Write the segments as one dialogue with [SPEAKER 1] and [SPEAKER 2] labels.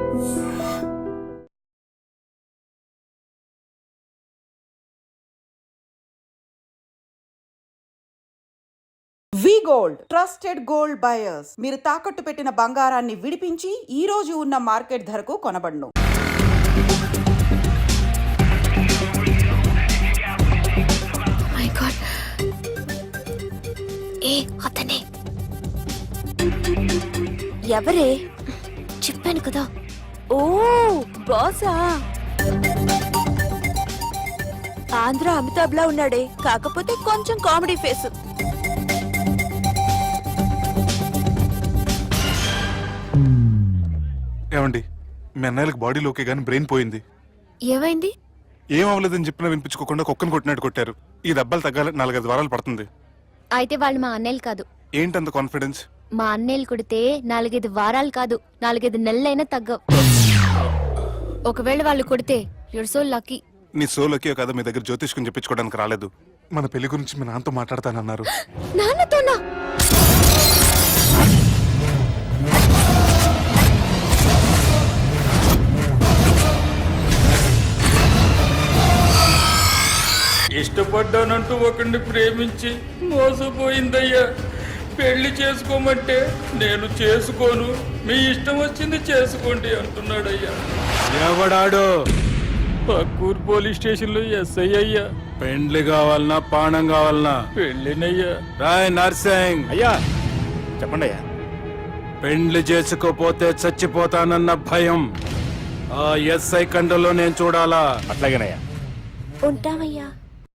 [SPEAKER 1] వి gold trusted gold buyers. మీరు తాకట్టు పెట్టిన బంగారాన్ని విడిపించి ఈ రోజు ఉన్న మార్కెట్ ధరకు కొనబడును.
[SPEAKER 2] మై గాడ్, ఏ అతనే ఎవరే? చెప్పాను కదా. ఓ బాసా, ఆంధ్ర అమితాబ్ లా ఉన్నాడే, కాకపోతే కొంచెం కామెడీ ఫేస్.
[SPEAKER 3] ఏమండి, మీ అన్నయ్యలకు బాడీలోకే గానీ బ్రెయిన్ పోయింది.
[SPEAKER 2] ఏమైంది?
[SPEAKER 3] ఏం అవ్వలేదని చెప్పినా వినిపించుకోకుండా కుక్కను కొట్టినట్టు కొట్టారు. ఈ దెబ్బలు తగ్గాలి 4-5 వారాలు పడుతుంది.
[SPEAKER 2] అయితే వాళ్ళు మా అన్నయ్యలు కాదు.
[SPEAKER 3] ఏంటంత కాన్ఫిడెన్స్?
[SPEAKER 2] మా అన్నయ్యలు కొడితే 4-5 వారాలు కాదు, 4-5 నెలలైనా తగ్గవు. ఒకవేళ వాళ్ళు కొడితే యూర్ సో లక్కీ.
[SPEAKER 3] నీ సోలోకి కదా మీ దగ్గర జ్యోతిష్కుని చెప్పించుకోవడానికి రాలేదు. మన పెళ్లి గురించి మీ నాన్నతో మాట్లాడతానన్నారు.
[SPEAKER 2] నాన్నతోనా?
[SPEAKER 4] ఇష్టపడ్డానంటూ ఒకరిని ప్రేమించి మోసపోయిందయ్యా. పెళ్లి చేసుకోమంటే నేను చేసుకోను, మీ ఇష్టం వచ్చింది చేసుకోండి అంటున్నాడయ్యా.
[SPEAKER 5] ఎవడాడు?
[SPEAKER 4] పక్కూరు పోలీస్ స్టేషన్ లో ఎస్ఐ అయ్యా.
[SPEAKER 5] పెండ్లి కావాలనా పానం కావాలనా?
[SPEAKER 4] పెళ్ళినయ్యా.
[SPEAKER 5] రాయ్ నర్సింగ్
[SPEAKER 6] అయ్యా చెప్పండి అయ్యా.
[SPEAKER 5] పెండ్లి చేసుకోపోతే చచ్చిపోతానన్న భయం ఆ ఎస్ఐ కండలో నేను చూడాలా?
[SPEAKER 6] అట్లాగేనయ్యా.
[SPEAKER 2] ఉంటామయ్యా.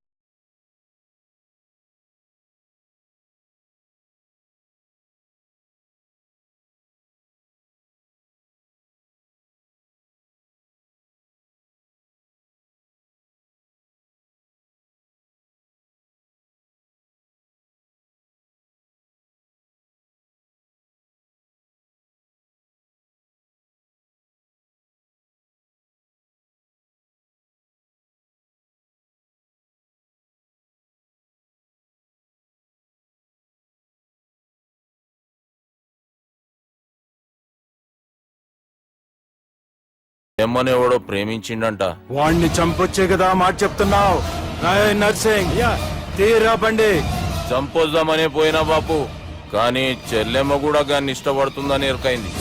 [SPEAKER 7] ఎమ్మనేవాడో ప్రేమించిండంట.
[SPEAKER 5] వాణ్ణి చంపొచ్చే కదా మాట చెప్తున్నావు? రాయ్ నర్సింగ్ తీరా బండి.
[SPEAKER 7] చంపొద్దామనే పోయినా బాపు, కానీ చెల్లెమ్మ కూడా గాన్ని ఇష్టపడుతుందని ఎరకైంది.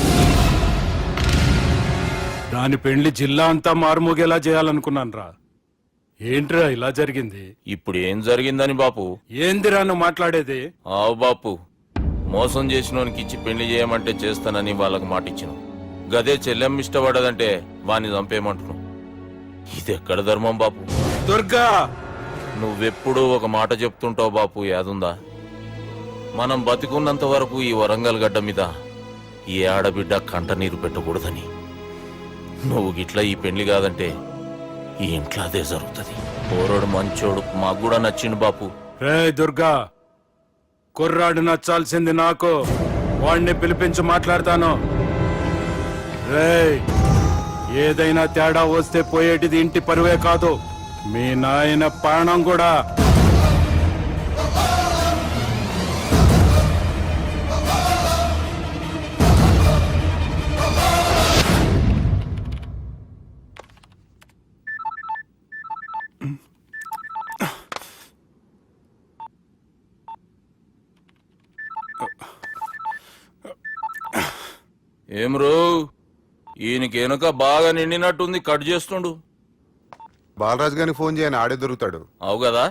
[SPEAKER 5] దాని పెండ్లి జిల్లా అంతా మారుమోగేలా చేయాలనుకున్నాను రా. ఏంట్రా ఇలా జరిగింది?
[SPEAKER 7] ఇప్పుడు ఏం జరిగిందని బాపు?
[SPEAKER 5] ఏందిరా నువ్వు మాట్లాడేది?
[SPEAKER 7] ఆవు బాపు, మోసం చేసినోనికి ఇచ్చి పెళ్లి చేయమంటే చేస్తానని వాళ్ళకు మాటిచ్చిన. గదే చెల్లెమ్మ ఇష్టపడదంటే వాణ్ణి చంపేయమంటున్నావు. ఇది ఎక్కడ ధర్మం బాపు?
[SPEAKER 5] దుర్గా,
[SPEAKER 7] నువ్వెప్పుడు ఒక మాట చెప్తుంటావు బాపు, యాదుందా? మనం బతికున్నంత వరకు ఈ వరంగల్ గడ్డ మీద ఈ ఆడబిడ్డ కంట నీరు పెట్టకూడదని. నువ్వు గిట్లా ఈ పెళ్లి కాదంటే ఈ ఇంట్లో అదే జరుగుతుంది. పోరోడు మంచోడు, మాకు కూడా నచ్చిండు బాపు.
[SPEAKER 5] రే దుర్గా, కుర్రాడు నచ్చాల్సింది నాకు. వాణ్ణి పిలిపించి మాట్లాడతాను. రే, ఏదైనా తేడా వస్తే పోయేటిది ఇంటి పరువే కాదు, మీ నాయన ప్రాణం కూడా.
[SPEAKER 7] ఏం రో, ఈయనకి వెనుక బాగా నిండినట్టుంది, కట్ చేస్తుండు.
[SPEAKER 3] బాలరాజు గారిని ఫోన్ చేయని, ఆడే దొరుకుతాడు.
[SPEAKER 7] అవు కదా?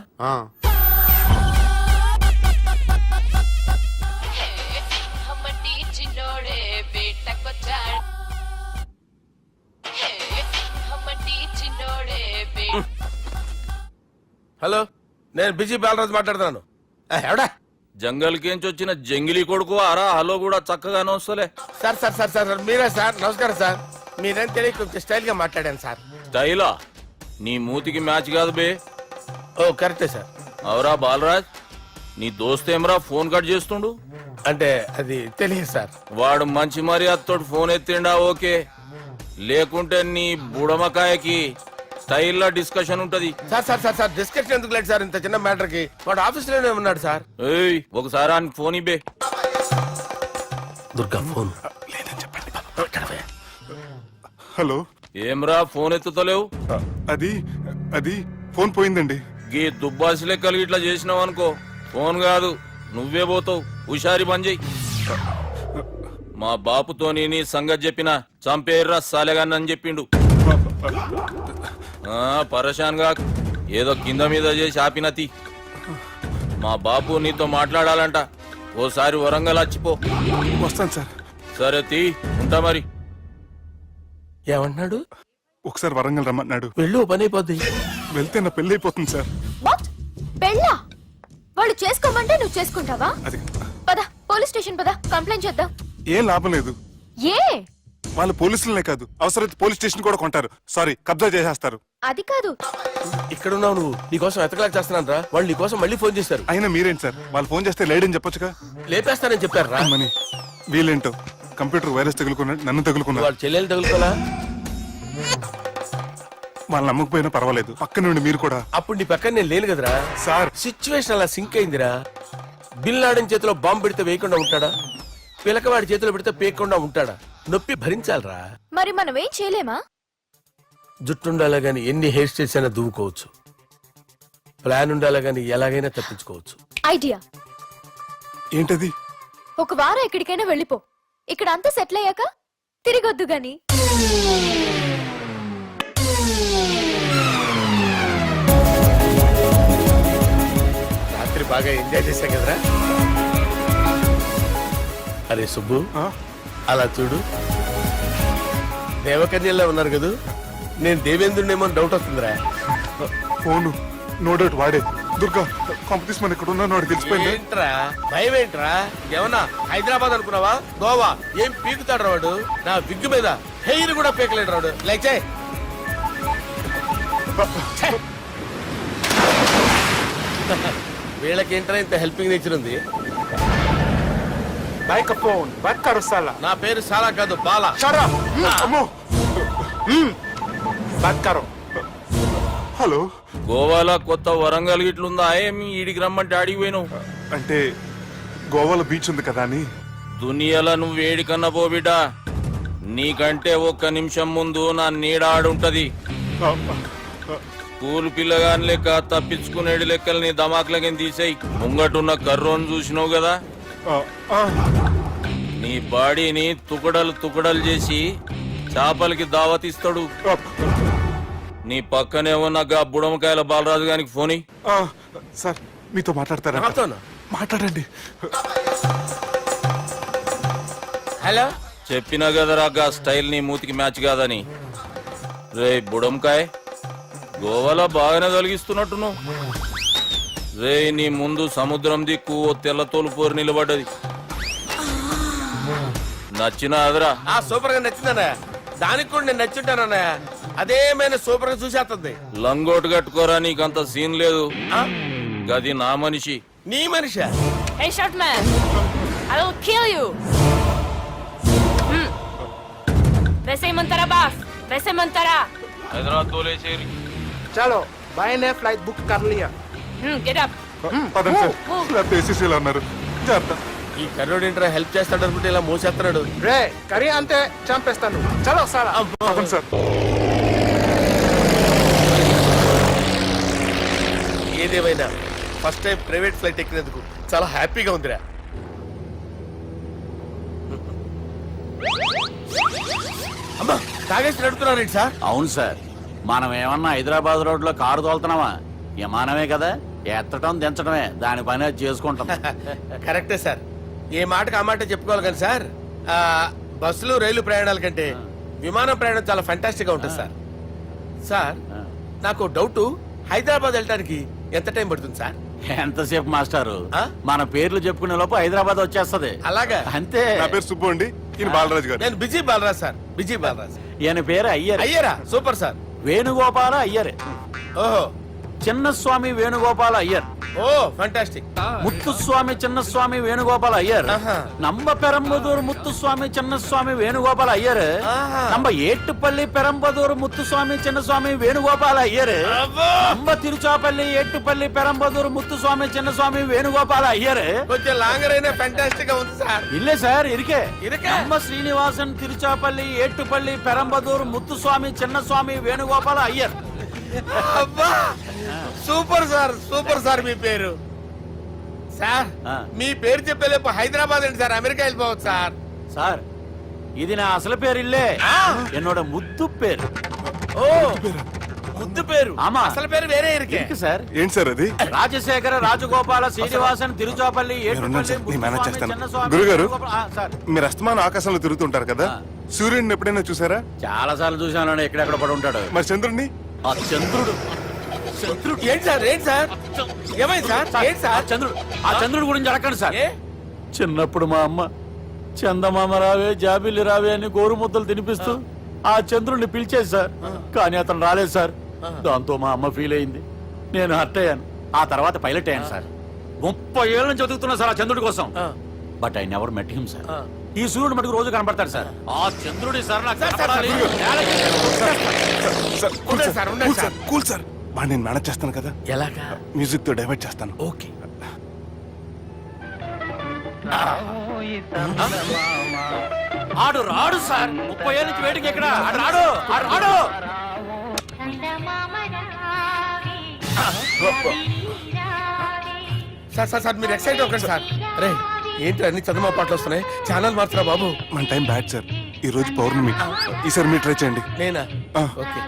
[SPEAKER 6] హలో, నేను బిజీ బాలరాజు మాట్లాడుతున్నాను. ఎవడా?
[SPEAKER 7] జంగల్కేంచి వచ్చిన జంగిలీ కొడుకు ఆరా. హలో కూడా చక్కగానే వస్తలే.
[SPEAKER 6] సార్ సార్ సార్ సార్ మీరే సార్? నమస్కారం సార్. మీరేం తెలియక కొంచెం స్టైల్ గా మాట్లాడాను సార్.
[SPEAKER 7] స్టైలా? నీ మూతికి మ్యాచ్ కాదు బే.
[SPEAKER 6] ఓ కరెక్టే సార్.
[SPEAKER 7] అవరా బాలరాజ్, నీ దోస్తేమరా ఫోన్ కట్ చేస్తుండు?
[SPEAKER 6] అంటే అది తెలియదు సార్.
[SPEAKER 7] వాడు మంచి మర్యాదతో ఫోన్ ఎత్తిండా ఓకే, లేకుంటే నీ బుడమకాయకి స్టైల్లో డిస్కషన్ ఉంటది.
[SPEAKER 6] Sir sir sir sir discussion ఎందుకు లేదు సార్? ఇంత చిన్న మ్యాటర్ కి వాడు ఆఫీస్ లోనే ఉన్నాడు సార్.
[SPEAKER 7] ఏయ్, ఒకసారి ఆయనకి ఫోన్ ఇబ్బే.
[SPEAKER 6] Durga phone
[SPEAKER 3] hello.
[SPEAKER 7] ఏమ్రా ఫోన్ ఎత్తుతలేవు?
[SPEAKER 3] అది అది ఫోన్ పోయిందండి.
[SPEAKER 7] గీ దుబ్బాసి లెక్కలు ఇట్లా చేసినావు అనుకో, ఫోన్ కాదు నువ్వే పోతావు. హుషారి పని చెయ్యి. మా బాపుతోని నీ సంగతి చెప్పిన చంపేర్రా సాలెగాన్ని అని చెప్పిండు. పరేషాన్ గా ఏదో కింద మీద చేసి ఆపినతి. మా బాపు నీతో మాట్లాడాలంట. ఓసారి వరంగల్ వచ్చిపో.
[SPEAKER 3] వస్తాను సార్.
[SPEAKER 7] సరే తీ, ఉంటా మరి.
[SPEAKER 6] ఏమంటున్నాడు?
[SPEAKER 3] ఒకసారి వరంగల్ రమ్మన్నాడు.
[SPEAKER 6] వెళ్ళు, పని అయిపోద్ది.
[SPEAKER 3] వెళ్తే నా పెళ్లి అయిపోతుంది సార్.
[SPEAKER 2] వాట్? పెళ్ళా? వాళ్ళు చేసుకోమంటే నువ్వు చేసుకుంటావా?
[SPEAKER 3] అది
[SPEAKER 2] పద పోలీస్ స్టేషన్ పద, కంప్లైంట్ చేద్దాం.
[SPEAKER 3] ఏం లాభం లేదు.
[SPEAKER 2] ఏ?
[SPEAKER 3] వాళ్ళు పోలీసులనే కాదు, అవసరమైతే పోలీస్ స్టేషన్ కూడా కొంటారు. సారీ, కబ్జా చేసేస్తారు.
[SPEAKER 2] అది కాదు.
[SPEAKER 6] ఇక్కడ ఉన్నావు నువ్వు, నీకోసం ఎతకలేక చేస్తున్నాను రా. వాళ్ళు నీకోసం మళ్ళీ ఫోన్ చేశారు.
[SPEAKER 3] అయినా మీరేంటి సార్, వాళ్ళు ఫోన్ చేస్తే లేడని చెప్పొచ్చుగా.
[SPEAKER 6] లేపేస్తానని చెప్పారు రా.
[SPEAKER 3] మని వీళ్ళేంటో కంప్యూటర్ వైరస్ తగులుకున్నాడు, నన్ను తగులుకున్నాడు.
[SPEAKER 6] వాళ్ళ చెల్లెలు తగులుకోలా?
[SPEAKER 3] వాళ్ళు నమ్మకపోయినా పర్వాలేదు, పక్క నుండి మీరు కూడా.
[SPEAKER 6] అప్పుడు నీ పక్కన నేను లేను కదరా
[SPEAKER 3] సార్.
[SPEAKER 6] సిచ్యువేషన్ అలా సింక్ అయిందిరా. బిల్ లాడన్ చేతిలో బాంబు పెడితే వేయకుండా ఉంటాడా? పిలకవాడి చేతిలో పెడితే పేయకుండా ఉంటాడా? నొప్పి భరించాలరా.
[SPEAKER 2] మరి మనం ఏం చేయలేమా?
[SPEAKER 6] జుట్టుండాలా గాని ఎన్ని హెయిర్ స్టైల్స్ అయినా దువ్వుకోవచ్చు. ప్లాన్ ఉండాలా గాని ఎలాగైనా తప్పించుకోవచ్చు.
[SPEAKER 2] ఐడియా.
[SPEAKER 3] ఏంటది?
[SPEAKER 2] ఒక వారం ఎక్కడికైనా వెళ్ళిపో. ఇక్కడ అంతా సెటిల్ అయ్యాక తిరిగొద్దు గాని.
[SPEAKER 6] రాత్రి బాగా ఎంజాయ్ చేశాం కదరా. అరే సుబ్బు,
[SPEAKER 3] ఆ?
[SPEAKER 6] అలా చూడు, దేవకన్యల్లో ఉన్నారు కదూ. నేను దేవేంద్రునేమో డౌట్ వస్తుందిరా.
[SPEAKER 3] ఫోను నో డౌట్ వాడే. దుర్గా కాంపిటీషన్ మన ఇక్కడ ఉన్నాను వాడు తెలిసిపోయింది.
[SPEAKER 6] ఏంట్రా భయం ఏంట్రా? ఏమన్నా హైదరాబాద్ అనుకున్నావా? గోవా ఏం పీకుతాడు వాడు. నా విగ్గు మీద హెయిర్ కూడా పీకలేడు రాడు. లేచే వీళ్ళకేంట్రా ఇంత హెల్పింగ్ నేచర్ ఉంది. నా పేరు సాలా కాదు, బాలా.
[SPEAKER 3] అమ్మో. హలో.
[SPEAKER 7] గోవాలో కొత్త వరంగల్ గిట్లుందా? ఏమి ఈడికి రమ్మంటే అడిగి పోయినావు?
[SPEAKER 3] అంటే గోవాలో బీచ్ ఉంది కదా అని.
[SPEAKER 7] దునియాలో నువ్వు వేడికన్నా పో బిడ్డా. నీకంటే ఒక్క నిమిషం ముందు నా నీడ ఆడుంటది. స్కూల్ పిల్లగాని లెక్క తప్పించుకునేడు లెక్కలు నీ దమాకులకి తీసేయి. ముంగటున్న కర్రోని చూసినావు కదా, నీ బాడీని తుకడలు తుకడలు చేసి చేపలకి దావతిస్తాడు. నీ పక్కనే ఉన్న గా బుడమకాయల బాలరాజు గారికి ఫోన్ ఇయ్యి.
[SPEAKER 3] సార్ మీతో మాట్లాడతారా?
[SPEAKER 6] నాతోనా?
[SPEAKER 3] మాట్లాడండి.
[SPEAKER 6] హలో.
[SPEAKER 7] చెప్పినా కదరా గా స్టైల్ నీ మూతికి మ్యాచ్ కాదని. రే బుడంకాయ్, గోవాలో బాగానే తొలగిస్తున్నట్టును. రే నీ ముందు సముద్రం దిక్కు ఓ తెల్లతోలు పోరు నిలబడ్డది. నచ్చిన అదరా?
[SPEAKER 6] సూపర్ గా నచ్చిందన్నా. దానికి కూడా నేను నచ్చుంటానన్నా. అదేమైనా సూపర్ గా చూసేస్తుంది.
[SPEAKER 7] లంగోటు కట్టుకోరా, నీకంత సీన్ లేదు. గది నా మనిషి.
[SPEAKER 6] నీ Manisha?
[SPEAKER 8] Hey, short man! I will kill you! वैसे ही मंतरा बास, वैसे मंतरा.
[SPEAKER 7] హైదరాబాద్ తోలేసేరి.
[SPEAKER 9] चलो भाई ने फ्लाइट बुक कर लिया.
[SPEAKER 8] Get up.
[SPEAKER 3] పదండి సార్, లేకపోతే ఏసీసీలో ఉన్నారు. జాగ్రత్త.
[SPEAKER 6] ఈ కర్రోడు ఏంట్రా హెల్ప్ చేస్తాడు అనుకుంటే ఇలా మోసేస్తున్నాడు.
[SPEAKER 9] రే కరీ అంతే చంపేస్తాను. చలో సారా.
[SPEAKER 3] పదండి సార్.
[SPEAKER 6] ఏదేమైనా ఫస్ట్ టైం ప్రైవేట్ ఫ్లైట్ ఎక్కినందుకు చాలా హ్యాపీగా ఉందిరా. అమ్మా తాగేసి నడుపుతున్నారేంటి సార్?
[SPEAKER 10] అవును సార్, మనం ఏమన్నా హైదరాబాద్ రోడ్ లో కారు తోలుతున్నామా? విమానమే కదా, ఎత్తడం దించడమే దాని పని అది చేసుకుంటాం.
[SPEAKER 6] కరెక్టే సార్. ఏ మాటకు ఆ మాట చెప్పుకోవాలి కానీ సార్, బస్సులు రైలు ప్రయాణాల కంటే విమానం ప్రయాణం చాలా ఫంటాస్టిక్ గా ఉంటుంది సార్. సార్ నాకు డౌట్, హైదరాబాద్ వెళ్ళడానికి ఎంత టైం పడుతుంది సార్?
[SPEAKER 10] ఎంతసేపు మాస్టారు, మన పేర్లు చెప్పుకునే లోపు హైదరాబాద్ వచ్చేస్తది.
[SPEAKER 6] అలాగా?
[SPEAKER 10] అంతే.
[SPEAKER 3] నా పేరు సుబ్బు అండి, ఈయన బాలరాజు గారు.
[SPEAKER 6] నేను busy Balaraj sir. Busy Balaraj.
[SPEAKER 10] ఈయన పేరు అయ్యర్.
[SPEAKER 6] అయ్యరా? Super sir.
[SPEAKER 10] వేణుగోపాల అయ్యరే.
[SPEAKER 6] ఓహో,
[SPEAKER 10] చిన్నస్వామి వేణుగోపాల అయ్యర్,
[SPEAKER 6] ఓ ఫంటాస్టిక్.
[SPEAKER 10] ముత్తుస్వామి చిన్నస్వామి వేణుగోపాల అయ్యర్,
[SPEAKER 6] ఆహా.
[SPEAKER 10] నంబ పెరంబదూరు ముత్తుస్వామి చిన్నస్వామి వేణుగోపాల అయ్యర్,
[SPEAKER 6] ఆహా.
[SPEAKER 10] నంబ ఏట్టుపల్లి పెరంబదూరు ముత్తుస్వామి చిన్నస్వామి వేణుగోపాల అయ్యర్,
[SPEAKER 6] అబ్బో!
[SPEAKER 10] నంబ తిరుచాపల్లి ఏట్టుపల్లి పెరంబదూరు ముత్తుస్వామి చిన్నస్వామి వేణుగోపాల అయ్యర్.
[SPEAKER 6] కొంచెం లాంగర్ అయినా ఫంటాస్టిక్ గా ఉంది సార్.
[SPEAKER 10] ఇల్లే సార్ ఇరికే.
[SPEAKER 6] ఇరికే?
[SPEAKER 10] నంబ శ్రీనివాసన్ తిరుచాపల్లి ఏట్టుపల్లి పెరంబదూరు ముత్తుస్వామి చిన్నస్వామి వేణుగోపాల అయ్యర్.
[SPEAKER 6] అబ్బా సూపర్ సార్, సూపర్ సార్. మీ పేరు సార్,
[SPEAKER 10] ఆ.
[SPEAKER 6] మీ పేరు చెప్పేలేపు హైదరాబాద్ అండి సార్, అమెరికా వెళ్ళిపోవచ్చు సార్.
[SPEAKER 10] సార్ ఇది నా అసలు పేరు ఇల్లే, ఎన్నోడ ముద్దు పేరు.
[SPEAKER 6] ఓ ముద్దు పేరు.
[SPEAKER 10] ఆమా.
[SPEAKER 6] అసలు పేరు వేరే ఇరికే.
[SPEAKER 10] ఇరికి సార్.
[SPEAKER 3] ఏంటి సార్ అది?
[SPEAKER 10] రాజశేఖర రాజగోపాల శ్రీనివాసన్ తిరుచాపల్లి
[SPEAKER 3] మీరున్నారు సార్, నేను మేనేజ్
[SPEAKER 10] ఏట్టుపల్లి
[SPEAKER 3] చేస్తాను.
[SPEAKER 10] చిన్నస్వామి
[SPEAKER 3] గురుగారు?
[SPEAKER 10] వేణుగోపాల- సార్
[SPEAKER 3] మీరు అస్తమానం ఆకాశంలో తిరుగుతుంటారు కదా, సూర్యుడిని ఎప్పుడైనా చూసారా?
[SPEAKER 10] చాలా సార్లు చూశాను, ఎక్కడెక్కడ పడి ఉంటాడు.
[SPEAKER 3] మరి చంద్రుడిని?
[SPEAKER 10] ఆ చంద్రుడు
[SPEAKER 6] ఏంటి సార్, ఏంటి సార్, ఏమైంది సార్, ఏంటి సార్?
[SPEAKER 10] ఆ చంద్రుడు గురించి అడగండి సార్.
[SPEAKER 6] ఏ?
[SPEAKER 10] చిన్నప్పుడు మా అమ్మ చందమామ రావే జాబిల్లి రావే అని గోరు ముద్దలు తినిపిస్తూ ఆ చంద్రుడిని పిలిచేది సార్, కానీ అతను రాలేదు సార్. దాంతో మా అమ్మ ఫీల్ అయింది, నేను హర్ట్ అయ్యాను. ఆ తర్వాత పైలట్ అయ్యాను సార్. 30 ఏళ్ళ నుంచి చదువుతున్నా సార్ ఆ చంద్రుడి కోసం. But I never met him sir. ఈ సూర్యుడు మటుకు రోజు కనపడతాడు సార్. ఆ చంద్రుడి సార్ నాకు కనపడాలి.
[SPEAKER 3] సార్ కూల్
[SPEAKER 6] ఉండండి
[SPEAKER 3] సార్,
[SPEAKER 6] సార్, ఉండండి
[SPEAKER 3] కూల్ సార్, కూల్ సార్. వాడిని నేను మేనేజ్ చేస్తాను కదా,
[SPEAKER 6] ఎలాగా?
[SPEAKER 3] మ్యూజిక్ తో డైవర్ట్ చేస్తాను.
[SPEAKER 6] ఓకే.
[SPEAKER 10] ఆడు రాడు సార్, 30 ఏళ్ళ నుంచి వేటికి ఎక్కడ ఆడు రాడు, ఆడు రాడు.
[SPEAKER 6] సార్ సార్ సార్ మీరు ఎక్సైట్ అవ్వకండి సార్. రే ఏంటి అన్ని చదువు పాటలు వస్తున్నాయి, ఛానల్ మార్చరా బాబు.
[SPEAKER 3] మన టైం బ్యాడ్ సార్, ఈ రోజు పౌర్ణమి. ఈసారి మీరు ట్రై చేయండి.
[SPEAKER 6] నేనా?
[SPEAKER 3] ఆ.
[SPEAKER 6] ఓకే.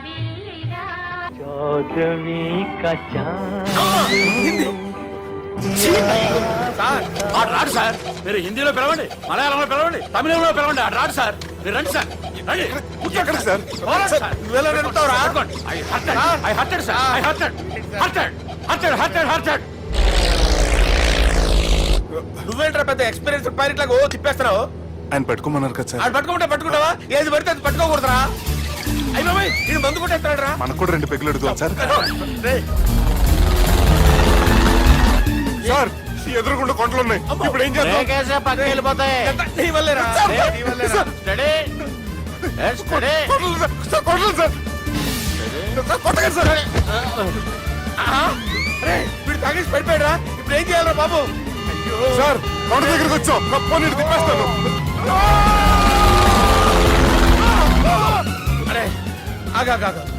[SPEAKER 6] సార్
[SPEAKER 10] ఆడు రాడు సార్. మీరు హిందీలో పిలవండి, మలయాళంలో పిలవండి, తమిళంలో పిలవండి, ఆడు రాడు సార్. మీరు రండి సార్, రండి.
[SPEAKER 3] ఎక్కడికి సార్?
[SPEAKER 10] పోరాడు సార్.
[SPEAKER 6] నువ్వెలా నడుపుతావురా?
[SPEAKER 10] పట్టుకోండి. I hurted, sir. I hurted.
[SPEAKER 6] నువ్వేంట్రా పెద్ద ఎక్స్పీరియన్స్ పైరెట్ లాగా ఓ తిప్పేస్తున్నావు?
[SPEAKER 3] ఆయన పెట్టుకోమన్నారు కదా సార్.
[SPEAKER 6] ఆడు పట్టుకుంటే పట్టుకుంటావా? ఏది పడితే అది పట్టుకోకూడదురా. అయ్యి బాబాయ్ నేను మందు కొట్టేస్తాడు రా.
[SPEAKER 3] మనకు కూడా 2 పెగ్గులు అడుగుతాం సార్.
[SPEAKER 6] రేయ్,
[SPEAKER 3] సార్ ఈ ఎదురుగుండా కొండలు ఉన్నాయి, ఇప్పుడు ఏం చేద్దాం?
[SPEAKER 10] బ్రేకేసే పక్కకి వెళ్ళిపోతాయి.
[SPEAKER 6] ఎంత నీ వల్లేరా? నీ వల్లేరా?
[SPEAKER 10] Steady. Yes, steady.
[SPEAKER 3] కొండలు సార్, సార్ కొండలు సార్. సార్, కొట్టకండి సార్.
[SPEAKER 6] ఆహా. రేయ్, వీడు తాగేసి పడిపోయాడు రా. ఇప్పుడు ఏం చేయాలరా బాబు? అయ్యో
[SPEAKER 3] సార్ కొండ దగ్గరికి వచ్చాం, పోనీ ఇటు తిప్పేస్తాను.
[SPEAKER 6] అరే ఆగా.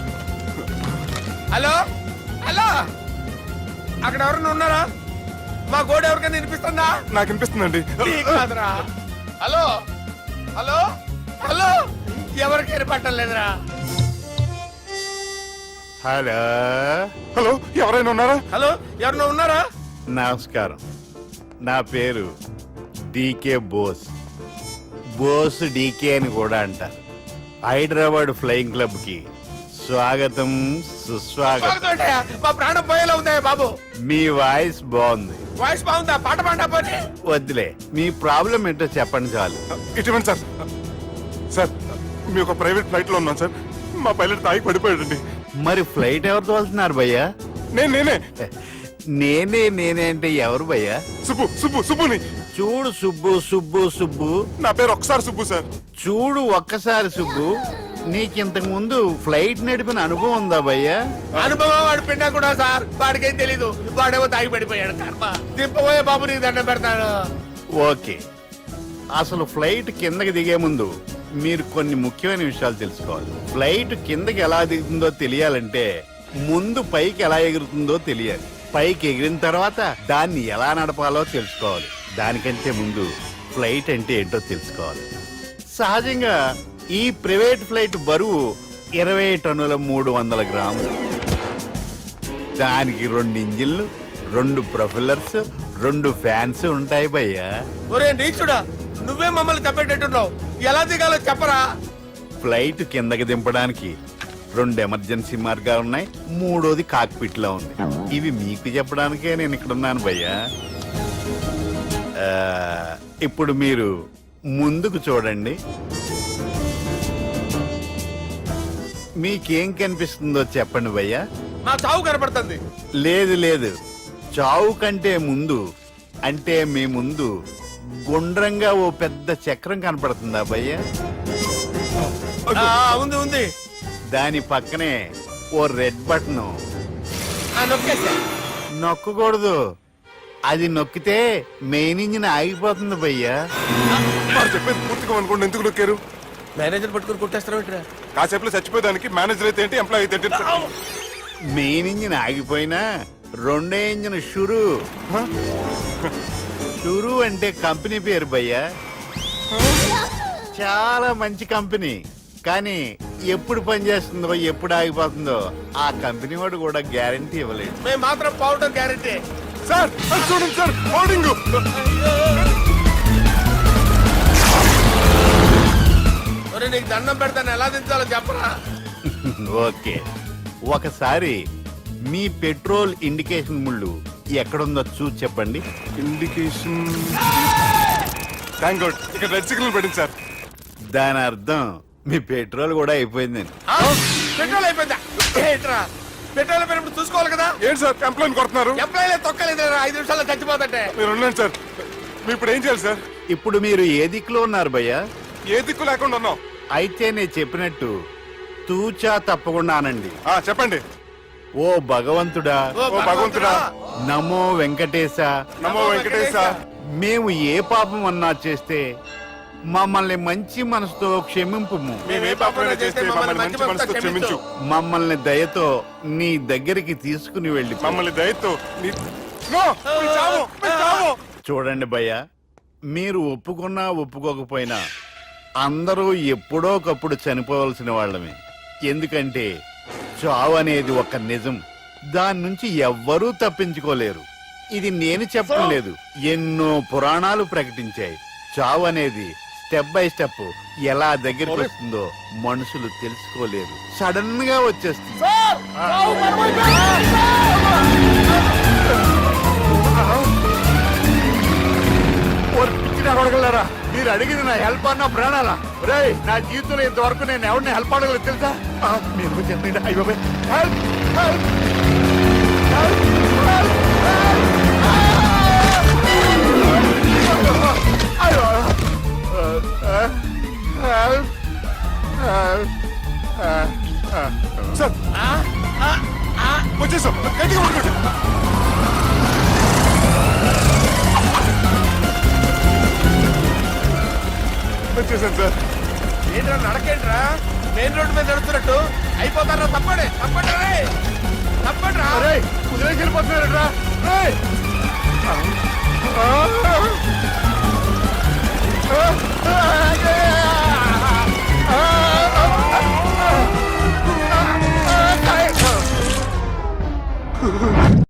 [SPEAKER 6] హలో హలో, అక్కడ ఎవరన్నా ఉన్నారా? మా గోడ ఎవరికైనా వినిపిస్తుందా?
[SPEAKER 3] నాకు అనిపిస్తుందండి.
[SPEAKER 6] నీకు కాదురా. హలో హలో హలో, ఎవరికి ఏర్పట్టలేదురా.
[SPEAKER 11] హలో
[SPEAKER 3] హలో ఎవరైనా ఉన్నారా?
[SPEAKER 6] హలో ఎవరన్నా ఉన్నారా?
[SPEAKER 11] నమస్కారం, నా పేరు డీకే బోస్. బోస్ డీకే అని కూడా అంటారు. హైదరాబాద్ ఫ్లయింగ్ క్లబ్ కి స్వాగతం సుస్వాగతం.
[SPEAKER 6] స్వాగతం ఏంటయ్యా? మా ప్రాణం పోయేలా ఉందా బాబు?
[SPEAKER 11] మీ వాయిస్ బాగుంది.
[SPEAKER 6] వాయిస్ బాగుందా? పాట పాడా పోనీ.
[SPEAKER 11] వద్దులే, మీ ప్రాబ్లం ఏంటో చెప్పండి చాలు.
[SPEAKER 3] ఇటువంటి సార్, సార్ మీ ఒక ప్రైవేట్ ఫ్లైట్ లో ఉన్నాం సార్, మా పైలట్ తాగి పడిపోయాడండి.
[SPEAKER 11] మరి ఫ్లైట్ ఎవరు తోలుతున్నారు భయ్యా?
[SPEAKER 3] నేనే
[SPEAKER 11] నేనే అంటే ఎవరు భయ్యా?
[SPEAKER 3] సుబ్బుని.
[SPEAKER 11] చూడు సుబ్బు,
[SPEAKER 3] నా పేరు ఒకసారి సుబ్బు సార్.
[SPEAKER 11] చూడు ఒక్కసారి సుబ్బు, నీకింతకు ముందు ఫ్లైట్ నడిపిన అనుభవం ఉందా భయ్యా?
[SPEAKER 6] అనుభవం వాడు పిన్నా కూడా సార్, వాడికేం తెలీదు. వాడేమో తాగి పడిపోయాడు. కర్మ. దింపబోయే బాబు నీకు దండం పెడతాను.
[SPEAKER 11] ఓకే, అసలు ఫ్లైట్ కిందకి దిగే ముందు మీరు కొన్ని ముఖ్యమైన విషయాలు తెలుసుకోవాలి. ఫ్లైట్ కిందకి ఎలా దిగుతుందో తెలియాలంటే ముందు పైకి ఎలా ఎగురుతుందో తెలియాలి. పైకి ఎగిరిన తర్వాత దాన్ని ఎలా నడపాలో తెలుసుకోవాలి. దానికంటే ముందు ఫ్లైట్ అంటే ఏంటో తెలుసుకోవాలి. సహజంగా ఈ ప్రైవేట్ ఫ్లైట్ బరువు 20 టన్నుల 300 గ్రాములు. దానికి 2 ఇంజిన్లు, 2 ప్రొఫెల్లర్స్, 2 ఫ్యాన్స్ ఉంటాయి భయ్యా.
[SPEAKER 6] ఒరే నీచుడా, నువ్వే మమ్మల్ని తప్పేటట్టున్నావు. ఎలా దిగాలో చెప్పరా?
[SPEAKER 11] ఫ్లైట్ కిందకి దింపడానికి 2 ఎమర్జెన్సీ మార్గాలు ఉన్నాయి, 3వది కాక్పిట్ లో ఉంది. ఇవి మీకు చెప్పడానికే నేను ఇక్కడ ఉన్నాను భయ్యా. ఇప్పుడు మీరు ముందుకు చూడండి. మీకేం కనిపిస్తుందో చెప్పండి భయ్యా.
[SPEAKER 6] మా చావు కనపడుతుంది.
[SPEAKER 11] లేదు లేదు, చావు కంటే ముందు అంటే మీ ముందు గుండ్రంగా ఓ పెద్ద చక్రం కనపడుతుందా భయ్య?
[SPEAKER 6] ఉంది ఉంది.
[SPEAKER 11] దాని పక్కనే ఓ రెడ్ బటన్.
[SPEAKER 6] నొక్కేసా.
[SPEAKER 11] నొక్కకూడదు, అది నొక్కితే మెయిన్ ఇంజిన్ ఆగిపోతుంది భయ్యా.
[SPEAKER 3] వాడు చెప్పేది పూర్తిగా అనుకోండి, ఎందుకు నొక్కారు?
[SPEAKER 6] మేనేజర్ పట్టుకుని కొట్టేస్తారా?
[SPEAKER 3] కాసేపులో చచ్చిపోయేదానికి మేనేజర్ అయితే ఏంటి, ఎంప్లాయ్ అయితే ఏంటి?
[SPEAKER 11] మెయిన్ ఇంజిన్ ఆగిపోయినా రెండో ఇంజిన్ షురు. షురు అంటే కంపెనీ పేరు భయ్యా. చాలా మంచి కంపెనీ, కానీ ఎప్పుడు పనిచేస్తుందో ఎప్పుడు ఆగిపోతుందో ఆ కంపెనీ వాడు కూడా గ్యారంటీ ఇవ్వలేదు.
[SPEAKER 6] మేము మాత్రం పౌడర్ గ్యారంటీ.
[SPEAKER 3] సార్ అది చూడండి సార్, హోర్డింగ్.
[SPEAKER 6] నీకు దండం పెడతాను, ఎలా దించాలో చెప్పరా?
[SPEAKER 11] ఓకే, ఒకసారి మీ పెట్రోల్ ఇండికేషన్ ముళ్ళు ఎక్కడుందో చూసి చెప్పండి.
[SPEAKER 3] ఇండికేషన్. థ్యాంక్ గాడ్, ఇక్కడ రెడ్ సిగ్నల్ పెట్టింది సార్.
[SPEAKER 11] దాని అర్థం మీ పెట్రోల్ కూడా అయిపోయిందని.
[SPEAKER 6] పెట్రోల్ అయిపోయిందా? ఏంట్రా పెట్రోల్ అయిపోయినప్పుడు చూసుకోవాలి కదా.
[SPEAKER 3] ఏంటి సార్ ఎంప్లాయ్ కొడుతున్నారు?
[SPEAKER 6] ఎంప్లాయీ తొక్కలేదు, 5 నిమిషాల్లో చచ్చిపోతుంటే.
[SPEAKER 3] మీరు ఉండండి సార్, మీరు ఇప్పుడు ఏం చేయాలి సార్?
[SPEAKER 11] ఇప్పుడు మీరు ఏ దిక్కులో ఉన్నారు భయ్యా?
[SPEAKER 3] ఏ దిక్కు లేకుండా ఉన్నాం.
[SPEAKER 11] అయితే నేను చెప్పినట్టు తూచా తప్పకుండా అనండి.
[SPEAKER 3] చెప్పండి.
[SPEAKER 11] ఓ భగవంతుడా,
[SPEAKER 3] ఓ భగవంతుడా,
[SPEAKER 11] నమో వెంకటేశ,
[SPEAKER 3] నమో వెంకటేశ.
[SPEAKER 11] మేము ఏ పాపం అన్నా చేస్తే మమ్మల్ని మంచి మనసుతో క్షమింపు.
[SPEAKER 3] మేము ఏ పాపమైనా చేస్తే మమ్మల్ని మంచి మనసుతో క్షమించు.
[SPEAKER 11] మమ్మల్ని దయతో నీ దగ్గరికి తీసుకుని వెళ్ళి
[SPEAKER 3] మమ్మల్ని దయతో నో, మీ చావు, మీ చావు.
[SPEAKER 11] చూడండి భయ్య, మీరు ఒప్పుకున్నా ఒప్పుకోకపోయినా అందరూ ఎప్పుడో ఒకప్పుడు చనిపోవలసిన వాళ్ళమే. ఎందుకంటే చావు అనేది ఒక నిజం, దాని నుంచి ఎవ్వరూ తప్పించుకోలేరు. ఇది నేను చెప్పడం లేదు, ఎన్నో పురాణాలు ప్రకటించాయి. చావు అనేది స్టెప్ బై స్టెప్ ఎలా దగ్గరికి వస్తుందో మనుషులు తెలుసుకోలేరు, సడన్ గా వచ్చేస్తుంది. అడగలరా, మీరు అడిగింది నా హెల్ప్ అన్న ప్రాణాలా? రే, నా జీవితంలో ఇంతవరకు నేను ఎవరిని హెల్ప్ అడగలేదు తెలుసా? మీరు చెప్పండి. అయ్యో హెల్ప్, హెల్ప్,
[SPEAKER 3] సార్ వచ్చేసాం, గట్టిగా పట్టుకోండి. వచ్చేసాను సార్.
[SPEAKER 6] ఏంట్రా నడకేంట్రా, మెయిన్ రోడ్డు మీద నడుస్తున్నట్టు అయిపోతారా? తప్పండి తప్పండి, తప్పండి రా.
[SPEAKER 11] కుదిరేసి వెళ్ళిపోతున్నారా?